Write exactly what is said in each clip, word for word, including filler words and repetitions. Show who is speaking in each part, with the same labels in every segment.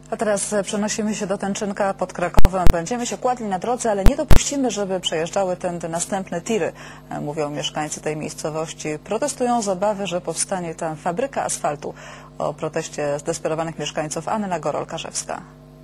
Speaker 1: A teraz przenosimy się do Tęczynka pod Krakowem. Będziemy się kładli na drodze, ale nie dopuścimy, żeby przejeżdżały tędy następne tiry, mówią mieszkańcy tej miejscowości. Protestują z obawy, że powstanie tam fabryka asfaltu. O proteście zdesperowanych mieszkańców Anna Gorol-Karzewska.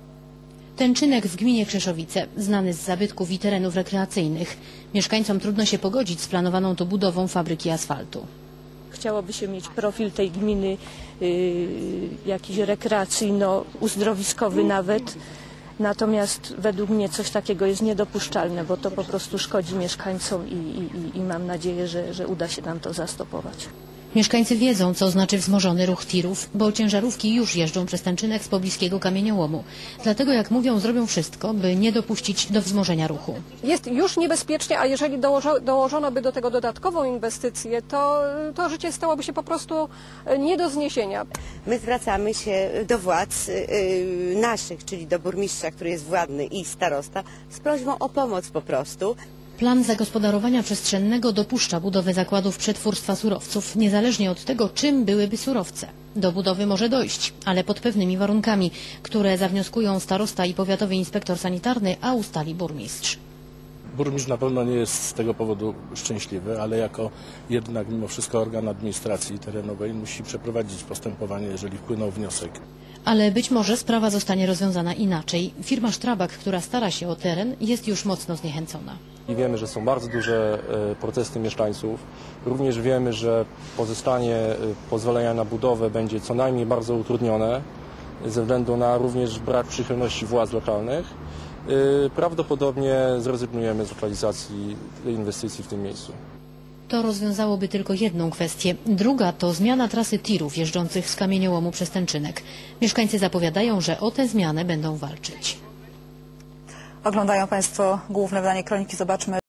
Speaker 2: Tęczynek w gminie Krzeszowice, znany z zabytków i terenów rekreacyjnych. Mieszkańcom trudno się pogodzić z planowaną tu budową fabryki asfaltu.
Speaker 3: Chciałoby się mieć profil tej gminy yy, jakiś rekreacyjno-uzdrowiskowy nawet. Natomiast według mnie coś takiego jest niedopuszczalne, bo to po prostu szkodzi mieszkańcom i, i, i mam nadzieję, że, że uda się nam to zastopować.
Speaker 2: Mieszkańcy wiedzą, co znaczy wzmożony ruch tirów, bo ciężarówki już jeżdżą przez Tęczynek z pobliskiego kamieniołomu. Dlatego, jak mówią, zrobią wszystko, by nie dopuścić do wzmożenia ruchu.
Speaker 4: Jest już niebezpiecznie, a jeżeli dołożo, dołożono by do tego dodatkową inwestycję, to, to życie stałoby się po prostu nie do zniesienia.
Speaker 5: My zwracamy się do władz yy, naszych, czyli do burmistrza, który jest władny, i starosta, z prośbą o pomoc po prostu.
Speaker 2: Plan zagospodarowania przestrzennego dopuszcza budowę zakładów przetwórstwa surowców, niezależnie od tego, czym byłyby surowce. Do budowy może dojść, ale pod pewnymi warunkami, które zawnioskują starosta i powiatowy inspektor sanitarny, a ustali burmistrz.
Speaker 6: Burmistrz na pewno nie jest z tego powodu szczęśliwy, ale jako jednak mimo wszystko organ administracji terenowej musi przeprowadzić postępowanie, jeżeli wpłynął wniosek.
Speaker 2: Ale być może sprawa zostanie rozwiązana inaczej. Firma Strabag, która stara się o teren, jest już mocno zniechęcona.
Speaker 7: I wiemy, że są bardzo duże protesty mieszkańców. Również wiemy, że pozyskanie pozwolenia na budowę będzie co najmniej bardzo utrudnione ze względu na również brak przychylności władz lokalnych. Prawdopodobnie zrezygnujemy z lokalizacji tej inwestycji w tym miejscu.
Speaker 2: To rozwiązałoby tylko jedną kwestię. Druga to zmiana trasy tirów jeżdżących z kamieniołomu przez Tęczynek. Mieszkańcy zapowiadają, że o tę zmianę będą walczyć.
Speaker 1: Oglądają Państwo główne wydanie Kroniki. Zobaczmy.